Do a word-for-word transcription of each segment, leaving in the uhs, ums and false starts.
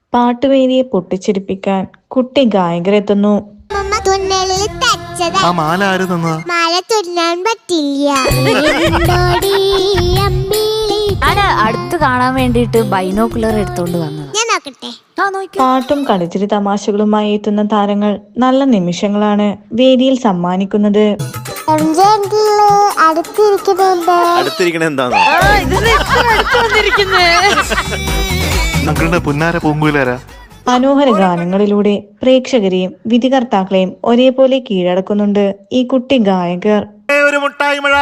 പാട്ടുവേദിയെ പൊട്ടിച്ചിരിപ്പിക്കാൻ കുട്ടി ഗായകരെത്തുന്നു. ആ മാല ആര് തന്നതാ? മാല തുന്നാൻ പറ്റില്ല. ഞാൻ അടുത്ത് കാണാൻ വേണ്ടിട്ട് ബൈനോക്കുലർ എടുത്തോണ്ട് വന്നത്. ഞാൻ നോക്കട്ടെ. പാട്ടും കളിച്ചിരി തമാശകളുമായി എത്തുന്ന താരങ്ങൾ നല്ല നിമിഷങ്ങളാണ് വേദിയിൽ സമ്മാനിക്കുന്നത്. ഞങ്ങളുടെ പുന്നാര പൂങ്കുലാരാ. മനോഹര ഗാനങ്ങളിലൂടെ പ്രേക്ഷകരെയും വിധികർത്താക്കളെയും ഒരേപോലെ കീഴടക്കുന്നുണ്ട് ഈ കുട്ടി ഗായകർ. ഒരു മുട്ടായി മഴ.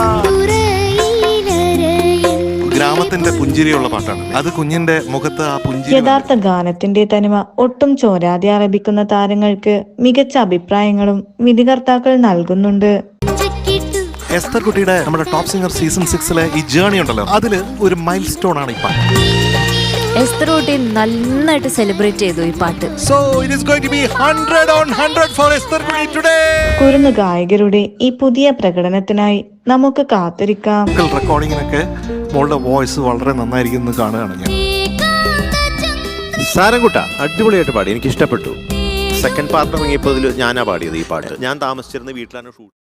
ഗ്രാമത്തിന്റെ പുഞ്ചിരിയുള്ള പാട്ടാണ് അത്. കുഞ്ഞിന്റെ മുഖത്ത് ആ പുഞ്ചിരി. യഥാർത്ഥ ഗാനത്തിന്റെ തനിമ ഒട്ടും ചോരാതെ ആലപിക്കുന്ന താരങ്ങൾക്ക് മികച്ച അഭിപ്രായങ്ങളും വിധികർത്താക്കൾ നൽകുന്നുണ്ട്. എസ്തർ കുട്ടിയുടെ നമ്മുടെ ടോപ്പ് സിംഗർ സീസൺ സിക്സിലെ ഈ ജേർണി ഉണ്ടല്ലോ, അതില് ഒരു മൈൽ സ്റ്റോൺ ആണ് ഈ പാട്ട്. എസ്തർ കുട്ടി നന്നായിട്ട് സെലിബ്രേറ്റ് ചെയ്തു ഈ പാട്ട്. So it is going to be one hundred on one hundred for Esther കുട്ടി today. കുരുന്നു ഗായകരുടെ ഈ പുതിയ പ്രകടനത്തിനായി നമുക്ക് കാത്തിരിക്കാം. റെക്കോർഡിങ്ങിനൊക്കെ മോളുടെ വോയിസ് വളരെ നന്നായിരിക്കും എന്ന് കാണുകയാണ് ഞാൻ. സാരംകുട്ട അടിപൊളിയായിട്ട് പാടി, എനിക്ക് ഇഷ്ടപ്പെട്ടു. സെക്കൻഡ് പാർട്ട് ഇറങ്ങിയപ്പോൾ ഞാനാ പാടിയത് ഈ പാട്ട്. ഞാൻ താമസിച്ചിരുന്ന വീട്ടിലാണ് ഷൂട്ട്.